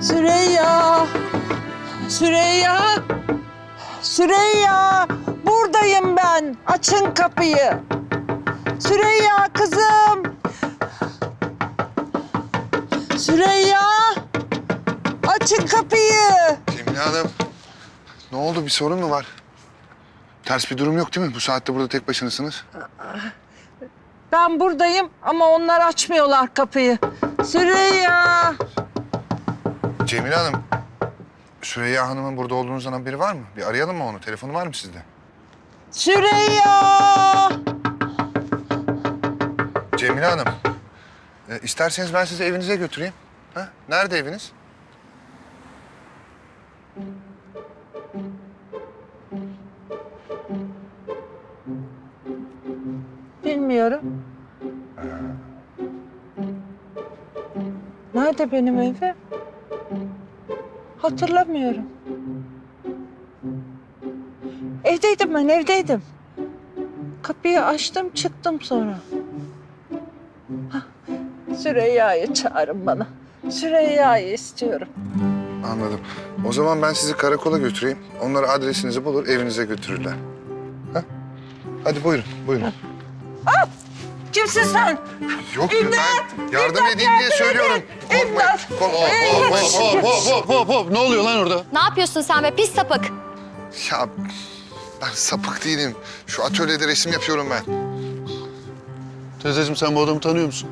Süreyya! Süreyya! Süreyya! Buradayım ben. Açın kapıyı. Süreyya kızım! Süreyya! Açın kapıyı. Cemile Hanım, ne oldu? Bir sorun mu var? Ters bir durum yok değil mi? Bu saatte burada tek başınasınız. Ben buradayım ama onlar açmıyorlar kapıyı. Süreyya! Cemile Hanım, Süreyya Hanım'ın burada olduğunuzdan haberi var mı? Bir arayalım mı onu? Telefonu var mı sizde? Süreyya! Cemile Hanım, isterseniz ben sizi evinize götüreyim. Ha? Nerede eviniz? Bilmiyorum. Nerede benim evim? Hatırlamıyorum. Evdeydim ben, evdeydim. Kapıyı açtım, çıktım sonra. Hah, Süreyya'yı çağırın bana. Süreyya'yı istiyorum. Anladım. O zaman ben sizi karakola götüreyim. Onlar adresinizi bulur, evinize götürürler. Ha? Hadi buyurun, buyurun. Kimsin sen? Yok İmdat! ben yardım İmdat, edeyim diye yardım söylüyorum. edin! İmdat! Hop. Ne oluyor lan orada? Ne yapıyorsun sen be pis sapık? Ya ben sapık değilim. Şu atölyede resim yapıyorum ben. Teyzeciğim sen bu adamı tanıyor musun?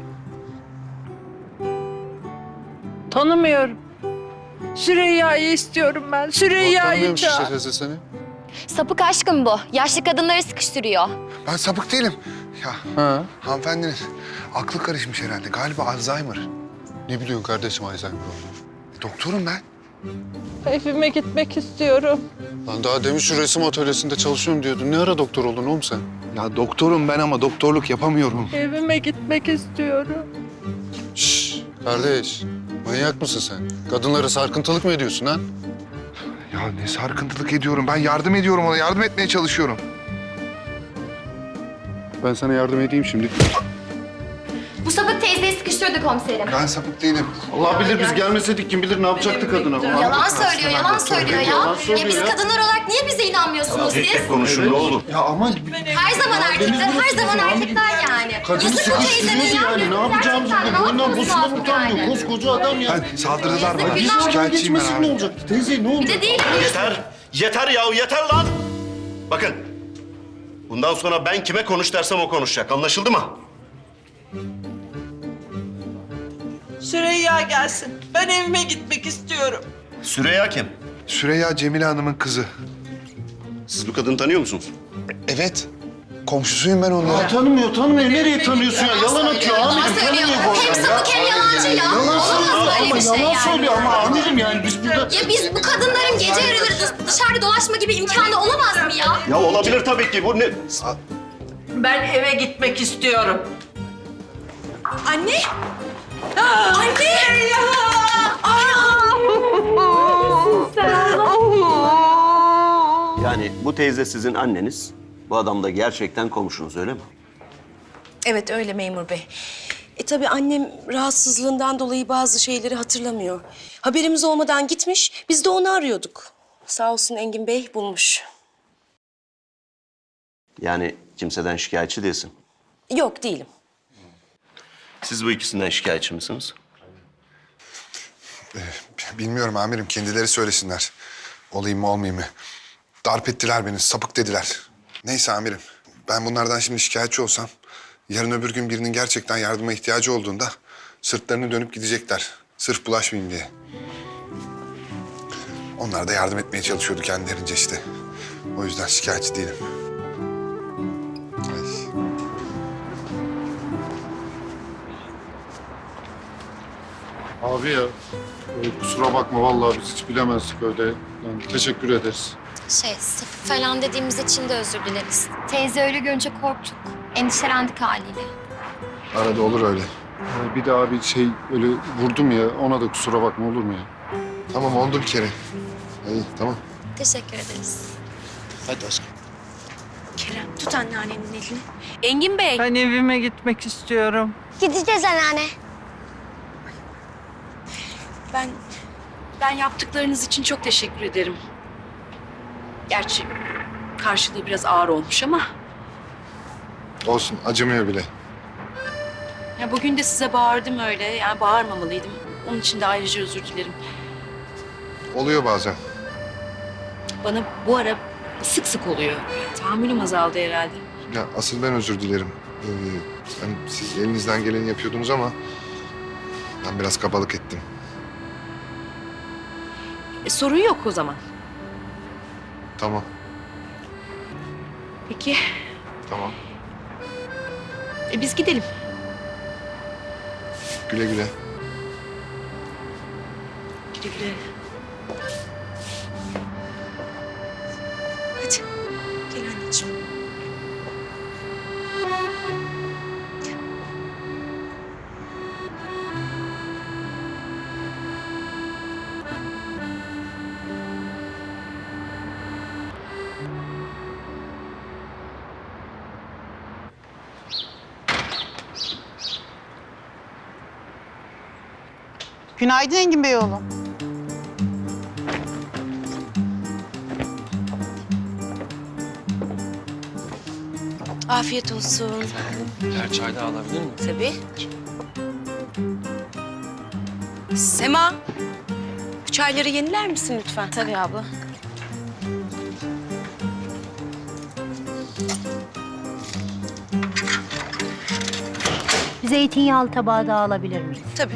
Tanımıyorum. Süreyya'yı istiyorum ben. Süreyya'yı Tanımıyormuş işte çağır. teyze seni. Sapık aşkım bu. Yaşlı kadınları sıkıştırıyor. Ben sapık değilim. Ya Ha? hanımefendinin aklı karışmış herhalde. Galiba Alzheimer. Ne biliyorsun kardeşim Alzheimer olduğunu? Doktorum ben. Evime gitmek istiyorum. Lan daha demin şu resim atölyesinde çalışıyorum diyordun. Ne ara doktor oldun oğlum sen? Ya doktorum ben ama doktorluk yapamıyorum. Evime gitmek istiyorum. Şşş kardeş. Manyak mısın sen? Kadınlara sarkıntılık mı ediyorsun ha? Ya ne sarkıntılık ediyorum. Ben yardım ediyorum ona. Yardım etmeye çalışıyorum. Ben sana yardım edeyim şimdi. Bu sapık teyzeyi sıkıştırdı komiserim. Ben sapık değilim. Allah bilir biz gelmeseydik kim bilir ne yapacaktı kadına. Yalan söylüyor, yalan söylüyor ya. Yalan söylüyor Ya biz ya. kadınlar olarak niye bize inanmıyorsunuz siz? Konuşun ne olur. Ya ama Her zaman erkekler, her zaman erkekler yani. kadını Yazık bu teyzeme sıkıştırıyordu ya. yani. Ne yapacağımızı Gerçekten bilmiyor. Boyundan ne posuna yapmamız utanmıyor. lazım yani? Koskoca adam ya. Ben saldırdılar bana. Yazık, günah. Şikayetçiyim ben Geçmesin ne abi. olacaktı? Teyze ne Bir olacak? de değil. Yeter ya, yeter lan! Bakın, bundan sonra ben kime konuş dersem o konuşacak. Anlaşıldı mı? Süreyya gelsin. Ben evime gitmek istiyorum. Süreyya kim? Süreyya Cemile Hanım'ın kızı. Siz bu kadını tanıyor musunuz? Evet. Komşusuyum ben onunla. Tanımıyor. Nereye tanıyorsun ya? Yalan atıyor Yalan amirim. söylüyor. Tanımıyor bu Hem adam ya. sapık hem yalancı ya. Yalan Olamaz söylüyor böyle ama bir şey yalan yani. söylüyor ama amirim yani biz burada... Ya biz bu kadınların gece yarıları dışarıda dolaşma gibi imkanı olamaz mı ya? Ya olabilir tabii ki. Bu ne? Ben eve gitmek istiyorum. Anne! Anne! Yani bu teyze sizin anneniz. Bu adam da gerçekten komşunuz öyle mi? Evet öyle memur bey. Tabii annem rahatsızlığından dolayı bazı şeyleri hatırlamıyor. Haberimiz olmadan gitmiş, biz de onu arıyorduk. Sağ olsun Engin Bey bulmuş. Yani kimseden şikayetçi değilsin. Yok değilim. Siz bu ikisinden şikayetçi misiniz? Bilmiyorum amirim. Kendileri söylesinler. Olayım mı olmayayım mı? Darp ettiler beni. Sapık dediler. Neyse amirim. Ben bunlardan şimdi şikayetçi olsam... yarın öbür gün birinin gerçekten yardıma ihtiyacı olduğunda... sırtlarını dönüp gidecekler. Sırf bulaşmayayım diye. Onlar da yardım etmeye çalışıyordu kendilerince işte. O yüzden şikayetçi değilim. Ay. Abi ya kusura bakma vallahi biz hiç bilemezdik öyle. Yani teşekkür ederiz. Sapık falan dediğimiz için de özür dileriz. Teyze öyle görünce korktuk. Endişelendik haliyle. Arada olur öyle. Bir daha bir şey öyle vurdum ya ona da kusura bakma olur mu ya? Tamam oldu bir kere. İyi tamam. Teşekkür ederiz. Hadi aşkım. Kerem tut anneannenin elini. Engin Bey. Ben evime gitmek istiyorum. Gideceğiz anneanne. Ben Ben yaptıklarınız için çok teşekkür ederim. Gerçi karşılığı biraz ağır olmuş ama... Olsun, acımıyor bile. Ya bugün de size bağırdım öyle. Yani bağırmamalıydım. Onun için de ayrıca özür dilerim. Oluyor bazen. Bana bu ara sık sık oluyor. Tahammülüm azaldı herhalde. Ya asıl ben özür dilerim. Hani siz elinizden geleni yapıyordunuz ama ben biraz kabalık ettim. Sorun yok o zaman. Tamam, Peki tamam. biz gidelim. Güle güle. Güle güle. Hadi gel anneciğim. Günaydın Engin Beyoğlu. Afiyet olsun. Birer çay daha alabilir miyim? Tabii. Sema, bu çayları yeniler misin lütfen? Tabii abla. Zeytinyağlı tabağı da alabilir miyiz? Tabii.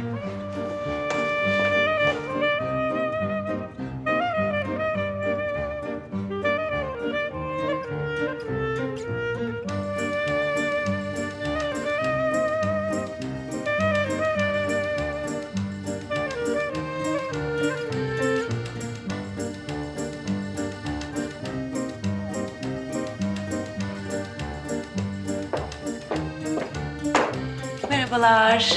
Merhabalar.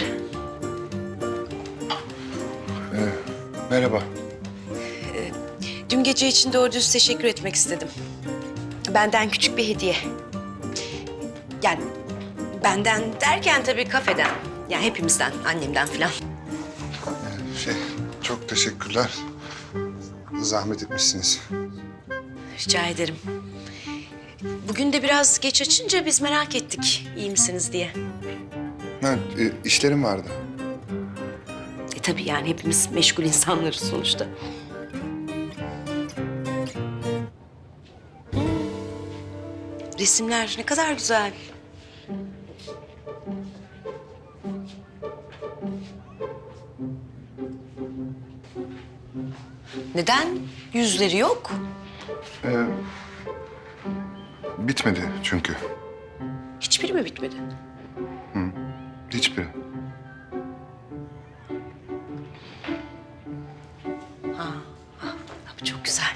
Merhaba. Dün gece için doğru dürüst teşekkür etmek istedim. Benden küçük bir hediye. Yani benden derken tabii kafeden. Yani hepimizden, annemden falan. Çok teşekkürler. Zahmet etmişsiniz. Rica ederim. Bugün de biraz geç açınca biz merak ettik iyi misiniz diye. Ha, işlerim vardı. Tabii yani hepimiz meşgul insanlarız sonuçta. Resimler ne kadar güzel. Neden yüzleri yok? Bitmedi çünkü. Hiçbiri mi bitmedi? Hiçbiri. Bu çok güzel.